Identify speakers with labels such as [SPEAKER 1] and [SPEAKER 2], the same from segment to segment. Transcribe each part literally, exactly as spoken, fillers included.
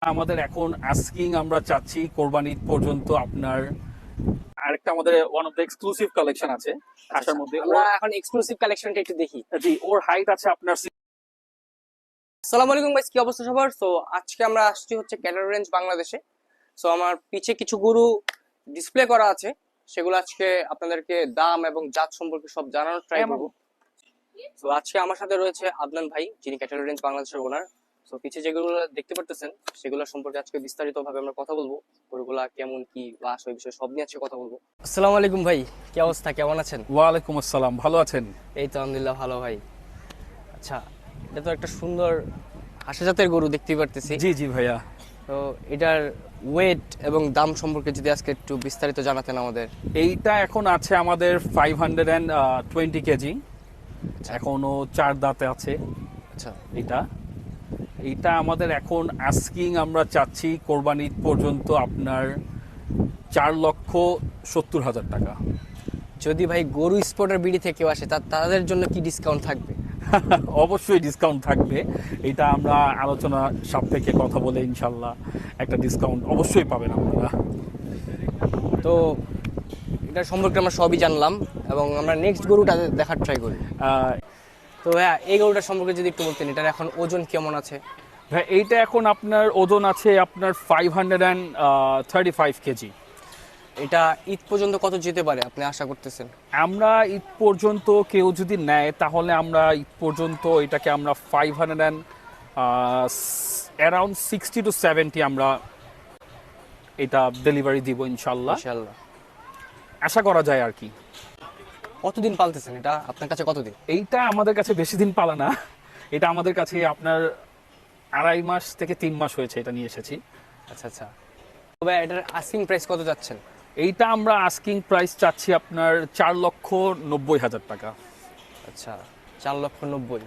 [SPEAKER 1] আমাদের এখন আস্কিং আমরা চাচ্ছি কোরবানি ঈদ পর্যন্ত আপনার আরেকটা আমাদের one of the exclusive collection আছে আশার মধ্যে।
[SPEAKER 2] আমরা এখন এক্সক্লুসিভ কালেকশনটা একটু দেখি।
[SPEAKER 1] জি, ওর হাইট আছে আপনার
[SPEAKER 2] আসসালামু আলাইকুম গাইস, কি অবস্থা সবার? সো আজকে আমরা আসছি হচ্ছে ক্যাটার রেঞ্জ বাংলাদেশে। সো আমার পিছে কিছু গরু ডিসপ্লে করা আছে, সেগুলো আজকে আপনাদেরকে দাম এবং জাত সম্পর্কে সব জানানোর ট্রাই করব। তো আজকে আমার সাথে রয়েছে আদনান ভাই, যিনি ক্যাটার রেঞ্জ বাংলাদেশের ওনার। তো পিছে যেগুলো দেখতে পারতেছেন সেগুলো সম্পর্কে আজকে বিস্তারিত ভাবে আমরা কথা বলবো। গরুগুলা কেমন কি বা ওই বিষয়ে সব নিয়ে আজকে কথা বলবো। আসসালামু আলাইকুম ভাই, কি অবস্থা, কেমন আছেন?
[SPEAKER 1] ওয়ালাইকুম আসসালাম, ভালো আছেন?
[SPEAKER 2] এই তো আলহামদুলিল্লাহ ভালো ভাই। আচ্ছা, এটা তো একটা সুন্দর হাসা জাতের গরু দেখতে পারতেছি।
[SPEAKER 1] জি জি ভাইয়া,
[SPEAKER 2] তো এটার ওয়েট এবং দাম সম্পর্কে যদি আজকে একটু বিস্তারিত জানাতেন আমাদের।
[SPEAKER 1] এইটা এখন আছে আমাদের ফাইভ হান্ড্রেড অ্যান্ড টোয়েন্টি কেজি, এখনো চার দাঁতে আছে।
[SPEAKER 2] আচ্ছা,
[SPEAKER 1] এটা এইটা আমাদের এখন আস্কিং আমরা চাচ্ছি কোরবানি ঈদ পর্যন্ত আপনার চার লক্ষ সত্তর হাজার টাকা।
[SPEAKER 2] যদি ভাই গরু স্পটের বিডি থেকে কেউ আসে তা- তাদের জন্য কি ডিসকাউন্ট থাকবে?
[SPEAKER 1] অবশ্যই ডিসকাউন্ট থাকবে, এটা আমরা আলোচনা সাপেক্ষে কথা বলে ইনশাল্লাহ একটা ডিসকাউন্ট অবশ্যই পাবেন আপনারা।
[SPEAKER 2] তো এটা সম্পর্কে আমরা সবই জানলাম এবং আমরা নেক্সট গরুটা দেখার ট্রাই করি।
[SPEAKER 1] আহ,
[SPEAKER 2] তো হ্যাঁ, এই গরুটার সম্পর্কে যদি একটু বলতেন, এটার এখন ওজন কেমন আছে?
[SPEAKER 1] ভাই এইটা এখন আপনার ওজন আছে আপনার five hundred and thirty five কেজি।
[SPEAKER 2] এটা ঈদ পর্যন্ত কত যেতে পারে আপনি আশা করতেছেন?
[SPEAKER 1] আমরা ঈদ পর্যন্ত কেউ যদি নেয় তাহলে আমরা ঈদ পর্যন্ত এটাকে আমরা five hundred and around sixty to seventy আমরা এটা ডেলিভারি দিব ইনশাল্লাহ,
[SPEAKER 2] ইনশাআল্লাহ।
[SPEAKER 1] আশা করা যায় আর কি।
[SPEAKER 2] কতদিন পালতেছেন এটা, আপনার কাছে কতদিন?
[SPEAKER 1] এইটা আমাদের কাছে বেশি দিন পালা না, এটা আমাদের কাছে আপনার আড়াই মাস থেকে তিন মাস হয়েছে এটা নিয়ে এসেছি।
[SPEAKER 2] আচ্ছা আচ্ছা। তবে এটার আস্কিং প্রাইস কত যাচ্ছেন?
[SPEAKER 1] এইটা আমরা আস্কিং প্রাইস চাচ্ছি আপনার চার লক্ষ নব্বই হাজার টাকা।
[SPEAKER 2] আচ্ছা, চার লক্ষ নব্বই।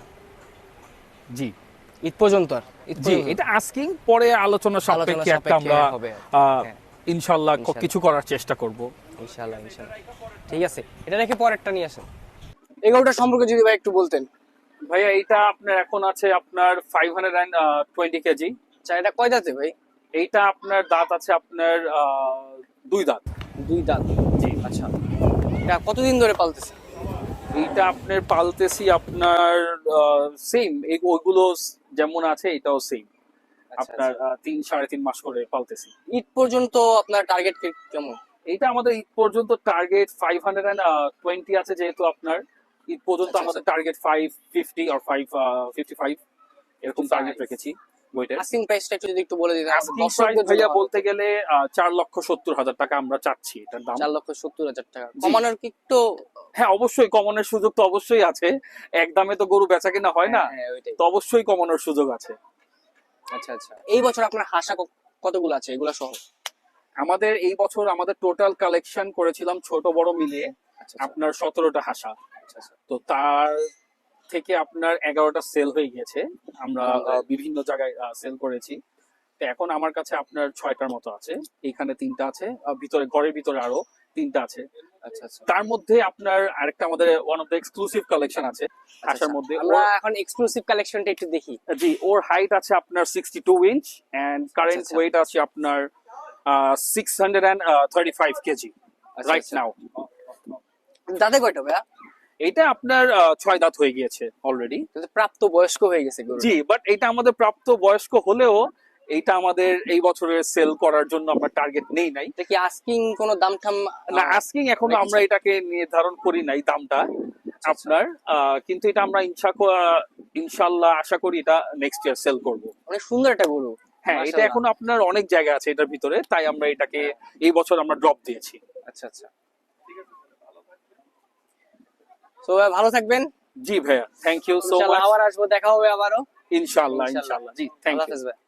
[SPEAKER 1] জি
[SPEAKER 2] ঈদ পর্যন্ত আর ঈদ
[SPEAKER 1] জি,
[SPEAKER 2] পর্যন্ত?
[SPEAKER 1] এটা আস্কিং, পরে আলোচনা সাপেক্ষে একটা
[SPEAKER 2] সাপেক্ষে
[SPEAKER 1] আমরা
[SPEAKER 2] হবে।
[SPEAKER 1] আহ,
[SPEAKER 2] হ্যাঁ।
[SPEAKER 1] ইনশাল্লাহ ক-
[SPEAKER 2] ইনশাল্লাহ।
[SPEAKER 1] কিছু করার চেষ্টা করব।
[SPEAKER 2] ইনশাআল্লাহ ইনশাআল্লাহ। ঠিক আছে, এটা রেখে পরেরটা নিয়ে আসেন। এগারোটা সম্পর্কে যদি ভাই একটু বলতেন।
[SPEAKER 1] ভাইয়া এইটা আপনার এখন আছে আপনার ফাইভ হান্ড্রেড অ্যান্ড টোয়েন্টি কেজি।
[SPEAKER 2] আচ্ছা, এটা কয় দাঁতে ভাই?
[SPEAKER 1] এইটা আপনার দাঁত আছে আপনার আহ, দুই দাঁত।
[SPEAKER 2] দুই দাঁত।
[SPEAKER 1] জি,
[SPEAKER 2] আচ্ছা, এটা কতদিন ধরে পালতেছে?
[SPEAKER 1] এইটা আপনার পালতেছি আপনার সেম ওইগুলো যেমন আছে এটাও সেম
[SPEAKER 2] আচ্ছা,
[SPEAKER 1] আপনার
[SPEAKER 2] আচ্ছা।
[SPEAKER 1] আহ, তিন সাড়ে তিন মাস করে পালতেছি।
[SPEAKER 2] ঈদ পর্যন্ত আপনার টার্গেট কেমন?
[SPEAKER 1] এইটা আমাদের ঈদ পর্যন্ত target five hundred and twenty আছে, যেহেতু আপনার ঈদ পর্যন্ত
[SPEAKER 2] আচ্ছা,
[SPEAKER 1] আমাদের
[SPEAKER 2] আচ্ছা।
[SPEAKER 1] টার্গেট ফাইভ ফিফটি আর ফাইভ ফিফটি ফাইভ এরকম টার্গেট রেখেছি বইটা।
[SPEAKER 2] আস্কিং প্রাইসটা একটু যদি একটু বলে দিতেন আমাদের
[SPEAKER 1] আস্কিং প্রাইস
[SPEAKER 2] দর্শকদের
[SPEAKER 1] ভাইয়া
[SPEAKER 2] জন্য।
[SPEAKER 1] বলতে গেলে আহ, চার লক্ষ সত্তর হাজার টাকা আমরা চাচ্ছি এটার দাম।
[SPEAKER 2] চার লক্ষ সত্তর হাজার টাকা
[SPEAKER 1] জি।
[SPEAKER 2] কমানোর কি একটু?
[SPEAKER 1] হ্যাঁ, অবশ্যই কমানোর সুযোগ তো অবশ্যই আছে, এক দামে তো গরু বেচা কিনা হয় না,
[SPEAKER 2] হ্যাঁ, হ্যাঁ, ওইটাই।
[SPEAKER 1] তো অবশ্যই কমানোর সুযোগ আছে।
[SPEAKER 2] আচ্ছা আচ্ছা। এই বছর আপনার হাসা ক- কতগুলো আছে এগুলা সহ?
[SPEAKER 1] আমাদের এই বছর আমাদের টোটাল কালেকশন করেছিলাম ছোট বড় মিলিয়ে
[SPEAKER 2] আচ্ছা
[SPEAKER 1] আপনার সতেরোটা হাসা,
[SPEAKER 2] আচ্ছা আচ্ছা।
[SPEAKER 1] তো তার থেকে আপনার এগারোটা সেল হয়ে গিয়েছে, আমরা আহ, বিভিন্ন জায়গায় সেল করেছি। তো এখন আমার কাছে আপনার ছয়টার মতো আছে, এখানে তিনটা আছে, আহ, ভিতরে ঘরের ভিতরে আরো তিনটা আছে।
[SPEAKER 2] আচ্ছা আচ্ছা।
[SPEAKER 1] তার মধ্যে আপনার আরেকটা আমাদের one of the exclusive collection আছে আসার মধ্যে।
[SPEAKER 2] আমরা
[SPEAKER 1] ওর-
[SPEAKER 2] এখন এক্সক্লুসিভ কালেকশনটা একটু দেখি।
[SPEAKER 1] জি, ওর হাইট আছে আপনার sixty two inch and current
[SPEAKER 2] আচ্ছা।
[SPEAKER 1] ওয়েট আছে আপনার six hundred and thirty five কেজি
[SPEAKER 2] আচ্ছা,
[SPEAKER 1] রাইট
[SPEAKER 2] আচ্ছা।
[SPEAKER 1] নাও।
[SPEAKER 2] দাঁতে কয়টা ভাইয়া?
[SPEAKER 1] এটা আপনার আহ, ছয় দাঁত হয়ে গিয়েছে অলরেডি।
[SPEAKER 2] কিন্তু প্রাপ্ত বয়স্ক হয়ে গেছে গরু।
[SPEAKER 1] জি, বাট এটা আমাদের প্রাপ্ত বয়স্ক হলেও এইটা আমাদের এই বছরের সেল করার জন্য আমরা টার্গেট নেই নাই।
[SPEAKER 2] এটা কি আস্কিং কোনো দাম টাম?
[SPEAKER 1] না, আস্কিং এখনো
[SPEAKER 2] রেখেছেন?
[SPEAKER 1] আমরা এটাকে নির্ধারণ করি নাই দামটা আপনার, আহ, কিন্তু এটা আমরা ইনশা ইনশাল্লাহ আশা করি এটা নেক্সট ইয়ার সেল করব।
[SPEAKER 2] অনেক সুন্দর একটা গরু।
[SPEAKER 1] হ্যাঁ, এটা
[SPEAKER 2] মাশাআল্লাহ।
[SPEAKER 1] এখনো আপনার অনেক জায়গা আছে এটার ভিতরে, তাই আমরা এটাকে এই বছর আমরা ড্রপ দিয়েছি।
[SPEAKER 2] আচ্ছা আচ্ছা। তো ভাই ভালো থাকবেন।
[SPEAKER 1] জি ভাইয়া, থ্যাংক ইউ সো
[SPEAKER 2] ইনশাআল্লাহ
[SPEAKER 1] মাচ।
[SPEAKER 2] আবার আসবো, দেখা হবে আবারও।
[SPEAKER 1] ইনশাল্লাহ
[SPEAKER 2] ইনশাআল্লাহ।
[SPEAKER 1] ইনশাল্লাহ জি, থ্যাংক
[SPEAKER 2] আল্লাহ
[SPEAKER 1] ইউ।
[SPEAKER 2] হাফেজ ভাই।